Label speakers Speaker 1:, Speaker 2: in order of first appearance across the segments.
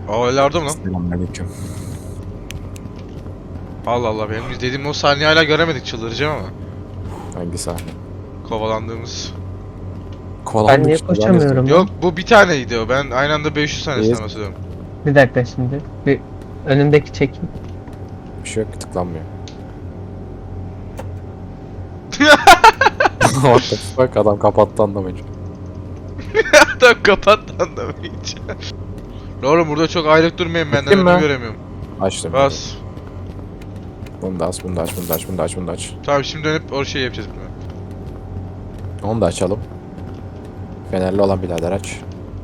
Speaker 1: Aa öyle yardım lan.
Speaker 2: Selamünaleyküm.
Speaker 1: Allah Allah, benim izlediğim o sahneyi hala göremedik, çıldıracağım ama.
Speaker 2: Hangi sahne?
Speaker 1: Kovalandığımız.
Speaker 3: Ben niye koşamıyorum?
Speaker 1: Yok, bu bir taneydi o. Ben aynı anda 500 tanesinden
Speaker 2: Yes.
Speaker 1: bahsediyorum.
Speaker 3: Bir dakika şimdi. Bir önümdeki çekim.
Speaker 2: Bir şey yok, tıklanmıyor. What the fuck, adam kapattı anlamayınca.
Speaker 1: Tam kapat lan da hiç. Oğlum burada çok ayrık durmayın, benden
Speaker 2: Gittin
Speaker 1: önümü
Speaker 2: mi?
Speaker 1: göremiyorum.
Speaker 2: Açtım.
Speaker 1: Bas.
Speaker 2: Bunu da aç, bunu da aç, bunu da aç, bunu da aç, bunu da aç.
Speaker 1: Tamam, şimdi dönüp o şey yapacağız.
Speaker 2: Onu da açalım. Fenerli olan birader aç.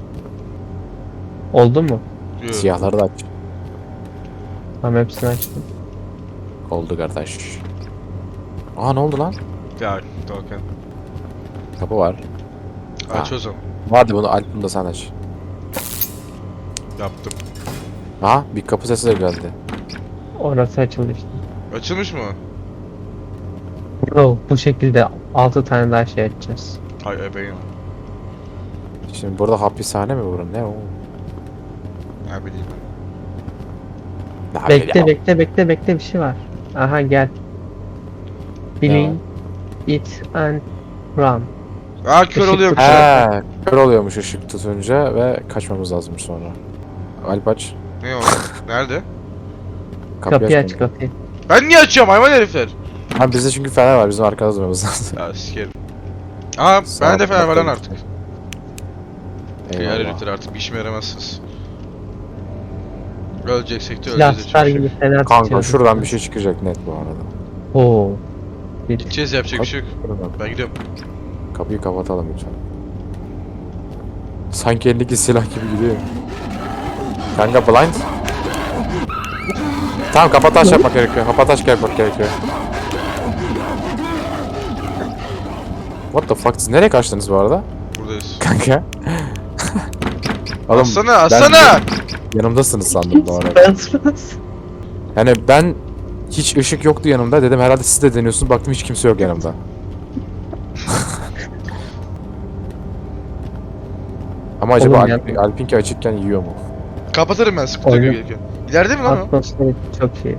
Speaker 3: Oldu mu?
Speaker 1: Yok.
Speaker 2: Siyahları da aç.
Speaker 3: Tamam, hepsini açtım.
Speaker 2: Oldu kardeş. Aa, ne oldu lan?
Speaker 1: Ya Doğukan.
Speaker 2: Kapı var.
Speaker 1: Aç
Speaker 2: Ha.
Speaker 1: o zaman.
Speaker 2: Hadi bunu Alp, bunu da sen aç.
Speaker 1: Yaptım.
Speaker 2: Aha, bir kapı sesi de geldi.
Speaker 3: Orası açıldı işte.
Speaker 1: Açılmış mı?
Speaker 3: Bro, bu şekilde 6 tane daha şey açacağız.
Speaker 1: Hay ebeğim.
Speaker 2: Şimdi burada hapishane mi burası? Ne o?
Speaker 1: Ne bileyim.
Speaker 2: Ne
Speaker 3: Bekle
Speaker 2: bileyim.
Speaker 3: bekle bir şey var. Aha gel. Bilin it and run.
Speaker 1: Aa, kör
Speaker 3: Işık
Speaker 1: oluyor.
Speaker 3: tutuyor.
Speaker 2: He, kör oluyormuş ışık tutunca ve kaçmamız lazım sonra. Alp aç.
Speaker 1: Ne o? Nerede?
Speaker 3: Kapıyı aç
Speaker 2: açma.
Speaker 3: kapıyı.
Speaker 1: Ben niye açıyorum hayvan herifler?
Speaker 2: Ha, bizde çünkü fener var, bizim arkada durmamız lazım.
Speaker 1: Ya sikerim. Aa, ben de fener var lan artık. Diğer
Speaker 2: Eyvallah.
Speaker 1: herifler artık bir işime yaramazsınız. Öleceksek de öleceğiz.
Speaker 3: Silahlar gibi fener
Speaker 2: Kanka
Speaker 3: tutuyoruz.
Speaker 2: şuradan bir şey çıkacak net bu arada.
Speaker 3: Oo. Bir
Speaker 1: Gideceğiz, yapacak bir şey yok.
Speaker 2: Şuradan.
Speaker 1: Ben gidiyorum.
Speaker 2: Kapıyı kapatalım lütfen. Sanki elindeki silah gibi gidiyor. Kanka blind. Tamam, kapataş yapmak gerekiyor. Kapataş yapmak gerekiyor. What the fuck, siz nereye kaçtınız bu arada?
Speaker 1: Buradayız.
Speaker 2: Kanka. Oğlum,
Speaker 1: Aslanı,
Speaker 2: ben
Speaker 1: aslanı!
Speaker 2: yanımdasınız sandım bu arada.
Speaker 3: Bas.
Speaker 2: Yani ben hiç ışık yoktu yanımda, dedim herhalde siz de deniyorsunuz, baktım hiç kimse yok yanımda. Ama acaba
Speaker 3: Oğlum ya.
Speaker 2: Alpinki açıkken yiyor mu?
Speaker 1: Kapatırım ben, sıkıntı yok
Speaker 3: Oyun.
Speaker 1: gelirken. İleride mi lan o?
Speaker 3: Atmosferi çok iyi.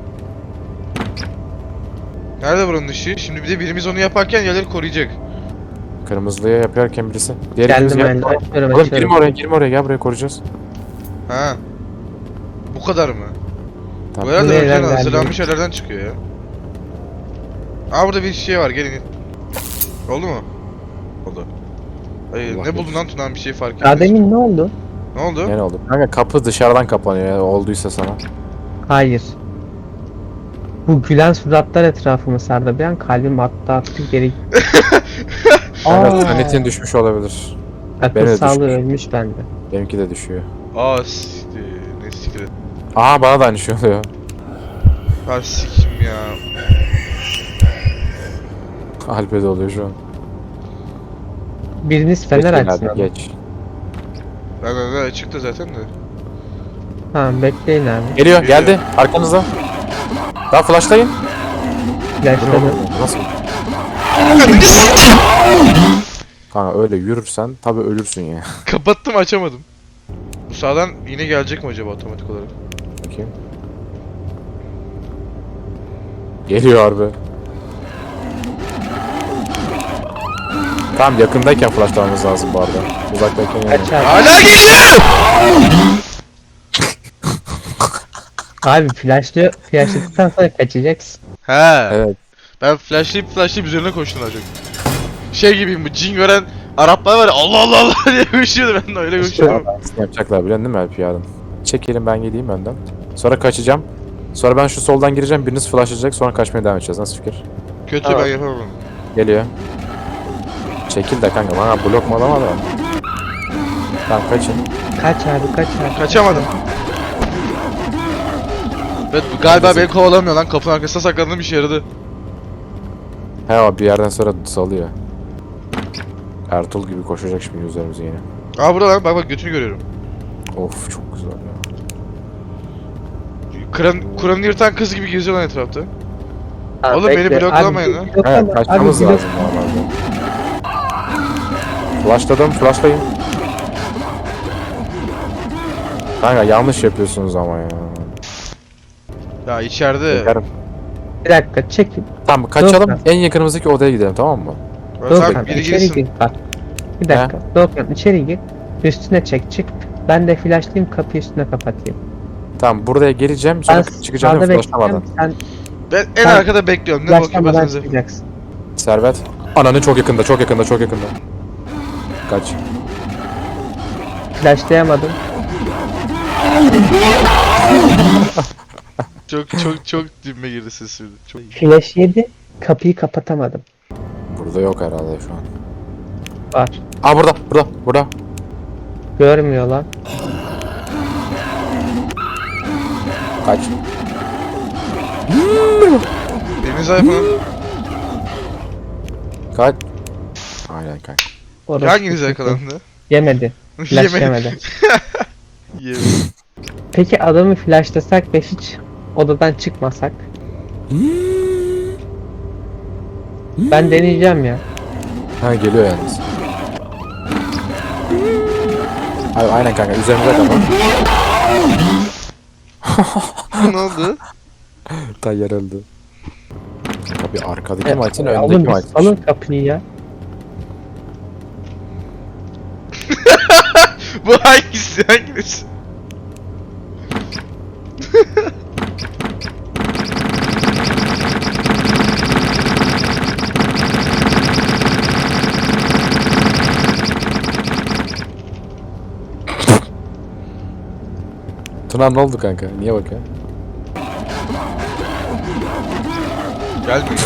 Speaker 1: Nerede buranın ışığı? Şimdi bir de birimiz onu yaparken yerleri koruyacak.
Speaker 2: Kırmızılıya yaparken birisi. Diğer
Speaker 3: Geldim
Speaker 2: ikimiz
Speaker 3: ben. Açıyorum
Speaker 2: Oğlum girme oraya,
Speaker 3: açıyorum.
Speaker 2: girme oraya, gel buraya koruyacağız.
Speaker 1: Ha. Bu kadar mı?
Speaker 2: Tamam.
Speaker 1: Bu herhalde
Speaker 3: Nereden
Speaker 1: önceden
Speaker 3: geldi?
Speaker 1: hazırlanmış yerlerden çıkıyor ya. Aa, burada bir şey var, gelin. Oldu mu? Oldu. Hayır,
Speaker 2: Allah
Speaker 1: ne buldun
Speaker 2: korusun.
Speaker 1: lan Tunan, bir şey fark
Speaker 3: Daha
Speaker 1: etmez.
Speaker 3: demin ne oldu?
Speaker 1: Ne oldu?
Speaker 2: Ne oldu? Kanka kapı dışarıdan kapanıyor ya, olduysa sana.
Speaker 3: Hayır. Bu gülen suratlar etrafımı sardı. Bir an kalbim attı geri.
Speaker 2: Kanka
Speaker 3: Aa.
Speaker 2: saniyetin düşmüş olabilir.
Speaker 3: Akıl
Speaker 2: Beni de
Speaker 3: sağlığı
Speaker 2: düşmüş.
Speaker 3: ölmüş bende.
Speaker 2: Benimki de düşüyor.
Speaker 1: Aa siktir. Ne siktir.
Speaker 2: Aha, bana da aynı şey oluyor.
Speaker 1: Ha sikim ya.
Speaker 2: Alp'e de oluyor şu an.
Speaker 3: Biriniz fener
Speaker 2: Geç
Speaker 3: açsın
Speaker 2: genelde,
Speaker 3: ama.
Speaker 2: geç.
Speaker 1: Ben çıktı zaten de.
Speaker 3: Tamam bekleyin abi.
Speaker 2: Geliyor, geldi. Arkanızda. Daha flashlayın. Bu ne
Speaker 3: Yaşladım.
Speaker 2: oğlum? Nasıl? Kanka öyle yürürsen tabi ölürsün ya.
Speaker 1: Kapattım, açamadım. Bu sağdan yine gelecek mi acaba otomatik olarak?
Speaker 2: Bakayım. Geliyor harbi. Tamam, yakındayken flashlamamız lazım bu arada. Uzaktayken yani.
Speaker 3: Kaç abi.
Speaker 1: Hala geliyor!
Speaker 3: Abi flashladıktan sonra kaçacaksın.
Speaker 1: He.
Speaker 2: Evet.
Speaker 1: Ben flashlayıp üzerine koştum daha çok. Şey gibiyim, bu cin gören Araplar var ya, Allah Allah Allah diye koşuyordu, ben de öyle koşuyorum.
Speaker 2: Ne yapacaklar biliyorsun değil mi Alp yarın? Çekelim, ben gideyim önden. Sonra kaçacağım. Sonra ben şu soldan gireceğim, biriniz flashlayacak, sonra kaçmaya devam edeceğiz. Nasıl fikir?
Speaker 1: Kötü,
Speaker 3: Tamam.
Speaker 1: ben yapamam.
Speaker 2: Geliyor. Çekil de kanka, bana blok mu alama da. Tamam, kaçın.
Speaker 3: Kaç abi kaç abi.
Speaker 1: Kaçamadım. Evet, galiba beni kovalamıyor lan, kapının arkasına saklandığım işe yaradı.
Speaker 2: He, o bir yerden sonra salıyor. Ertuğrul gibi koşacak şimdi üzerimize yine.
Speaker 1: Aa, burada lan, bak götünü görüyorum.
Speaker 2: Of, çok güzel ya.
Speaker 1: Kur'an'ı yırtan kız gibi geziyor lan etrafta.
Speaker 3: Tamam,
Speaker 1: Oğlum, beni
Speaker 3: bekle.
Speaker 1: bloklamayın
Speaker 3: Abi,
Speaker 1: lan.
Speaker 3: bloklama.
Speaker 2: Evet, kaçmamız
Speaker 3: Abi,
Speaker 2: lazım normalde. Flashladım, flashlayın. Kanka yanlış yapıyorsunuz ama ya.
Speaker 1: Ya içeride.
Speaker 2: Yakarım.
Speaker 3: Bir dakika çekin.
Speaker 2: Tamam kaçalım,
Speaker 3: Yok.
Speaker 2: en yakınımızdaki odaya gidelim, tamam mı?
Speaker 1: Tamam
Speaker 3: Doğukan
Speaker 1: biri
Speaker 3: içeri
Speaker 1: girsin.
Speaker 3: gir bak. Bir dakika. Doğukan içeri gir. Üstüne çek çık. Ben de flashlayayım kapıyı üstüne kapatayım.
Speaker 2: Tamam buraya geleceğim, sonra
Speaker 3: Ben
Speaker 2: çıkacağım
Speaker 3: sağda
Speaker 2: flashlamadan.
Speaker 3: bekleyeceğim. Sen
Speaker 1: Ben en
Speaker 3: Sen
Speaker 1: arkada bekliyorum. Ne bakayım
Speaker 3: flashlamadan
Speaker 1: basınıza.
Speaker 3: çıkacaksın.
Speaker 2: Servet. Ananı çok yakında, çok yakında, çok yakında. Kaç.
Speaker 3: Flashlayamadım.
Speaker 1: Çok dibime girdi sesim. Çok.
Speaker 3: Flash yedi. Kapıyı kapatamadım.
Speaker 2: Burada yok herhalde şu an.
Speaker 3: Var.
Speaker 2: Aa burada.
Speaker 3: Görmüyor lan.
Speaker 2: Kaç.
Speaker 1: Deniz Ayfan'ın
Speaker 2: Kaç. Aynen kanka.
Speaker 3: Orası
Speaker 1: hanginiz
Speaker 3: sıkıntı.
Speaker 1: yakalandı?
Speaker 3: Yemedi. Flash yemedi.
Speaker 1: Yemedi.
Speaker 3: Peki adamı flashlasak ve hiç odadan çıkmasak? Ben deneyeceğim ya.
Speaker 2: Ha geliyor yalnız. Abi aynen kanka, üzerimize tamam.
Speaker 1: Ne oldu?
Speaker 2: Tayyar öldü. Tabii arkadaki maçın
Speaker 3: Alın
Speaker 2: önündeki
Speaker 3: bir
Speaker 2: maç.
Speaker 3: salın kapıyı ya.
Speaker 1: Bu hangisi?
Speaker 2: Tuna ne oldu kanka? Niye bakıyor?
Speaker 1: Gelmiyor.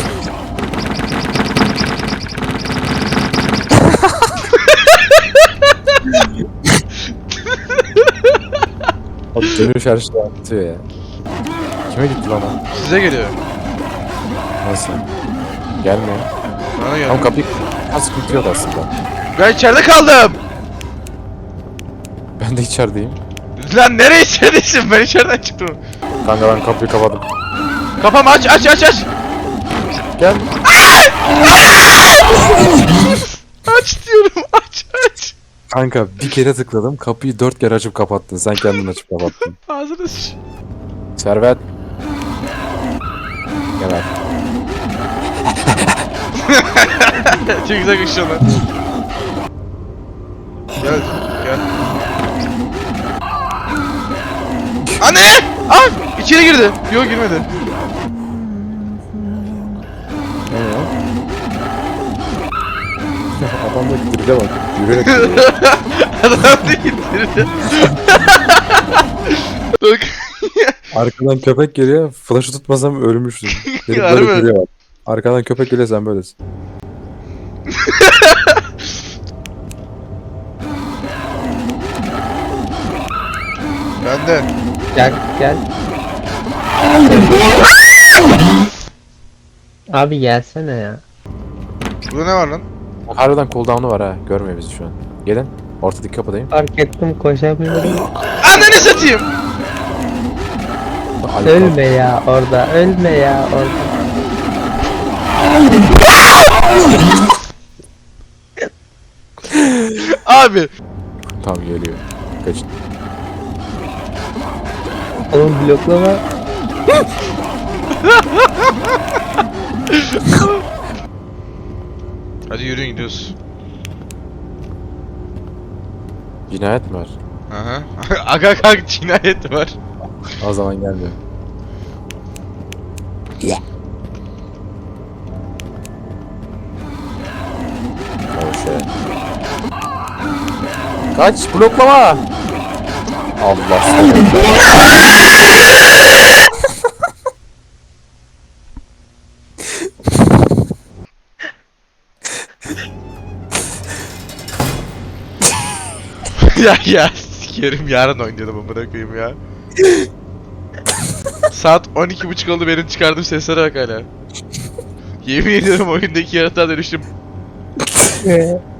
Speaker 2: Abi dönüş her şeyi anlatıyor ya. Kime gitti lan o?
Speaker 1: Size geliyor.
Speaker 2: Nasıl? Gelmiyor.
Speaker 1: Bana
Speaker 2: Tam
Speaker 1: gelmiyor.
Speaker 2: kapıyı sıkıntı yok aslında.
Speaker 1: Ben içeride kaldım.
Speaker 2: Ben de içerideyim.
Speaker 1: Lan nereye içeridesin? Ben içeriden çıktım.
Speaker 2: Kanka ben kapıyı kapadım.
Speaker 1: Kafamı aç.
Speaker 2: Gel.
Speaker 1: Aç diyorum aç.
Speaker 2: Kanka bir kere tıkladım, kapıyı 4 kere açıp kapattın. Sen kendin açıp kapattın.
Speaker 1: Ağzını sıç.
Speaker 2: Servet. Gel abi.
Speaker 1: Çok güzel kışıyor lan. Gel. Anne! Ah! İçeri girdi. Yok girmedi.
Speaker 2: Ne ya? Adamdaki diride bak. Yürüyerek gidiyor.
Speaker 1: Adam da getirdi. Bak.
Speaker 2: Arkadan köpek geliyor. Flash'ı tutmasam ölmüştüm. Herif
Speaker 1: Harbi
Speaker 2: böyle
Speaker 1: mi?
Speaker 2: duruyor bak. Arkadan köpek geliyor, sen böylesin.
Speaker 1: Benden.
Speaker 3: Gel. Abi gelsene ya.
Speaker 1: Burada ne var lan?
Speaker 2: Harbiden cooldown'u var ha. Görmüyor bizi şu an. Gelin. Ortadaki kapıdayım.
Speaker 3: Fark ettim koşamıyorum.
Speaker 1: Ananı satayım.
Speaker 3: Ölme ya orada.
Speaker 1: Abi.
Speaker 2: Tamam geliyor. Kaçın.
Speaker 3: Oğlum bloklama.
Speaker 1: Hadi yürüyün gidiyoruz.
Speaker 2: Cinayet mi var?
Speaker 1: Aha. Aga kalk cinayet var.
Speaker 2: O zaman gelmiyor. Oh shit. Kaç, bloklama. Allah seni.
Speaker 1: ya sikerim yarın oynayalım amına koyayım ya. Saat 12:30 oldu benim çıkardığım seslere bak hala. Yemin ediyorum oyundaki yaratığa dönüştüm.